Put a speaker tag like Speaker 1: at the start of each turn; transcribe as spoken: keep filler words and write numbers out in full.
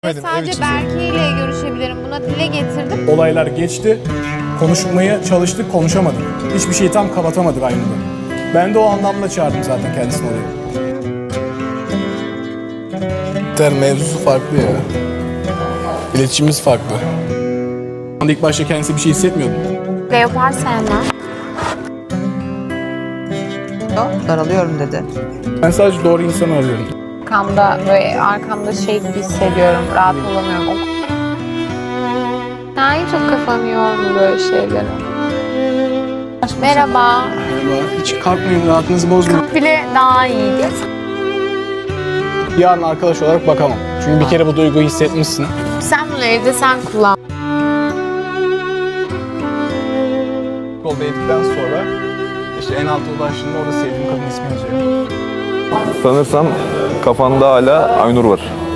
Speaker 1: Sadece Berke ile görüşebilirim. Buna dile getirdim.
Speaker 2: Olaylar geçti. Konuşmaya çalıştık, konuşamadık. Hiçbir şeyi tam kapatamadık aynı anda. Ben de o anlamda çağırdım zaten kendisini oraya.
Speaker 3: Der mevzusu farklı ya. İletişimimiz farklı.
Speaker 2: İlk başta kendisi bir şey hissetmiyordu.
Speaker 1: Leopar sevmem.
Speaker 4: Daralıyorum dedi.
Speaker 2: Ben sadece doğru insanı arıyorum.
Speaker 1: Arkamda böyle arkamda şey gibi hissediyorum. Rahat olamıyorum. Ben çok kafam yordu böyle şeylere. Merhaba.
Speaker 2: Merhaba. Hiç kalkmayın, rahatınızı bozmayın.
Speaker 1: Bile daha iyiydi.
Speaker 2: Yarın arkadaş olarak bakamam. Çünkü bir kere bu duyguyu hissetmişsin.
Speaker 1: Sen bunu evde sen kullan.
Speaker 2: Yolda yedikten sonra işte en alta ulaştığında orada sevdiğim kadın ismi yazıyor.
Speaker 5: Sanırsam kafanda hala Aynur var.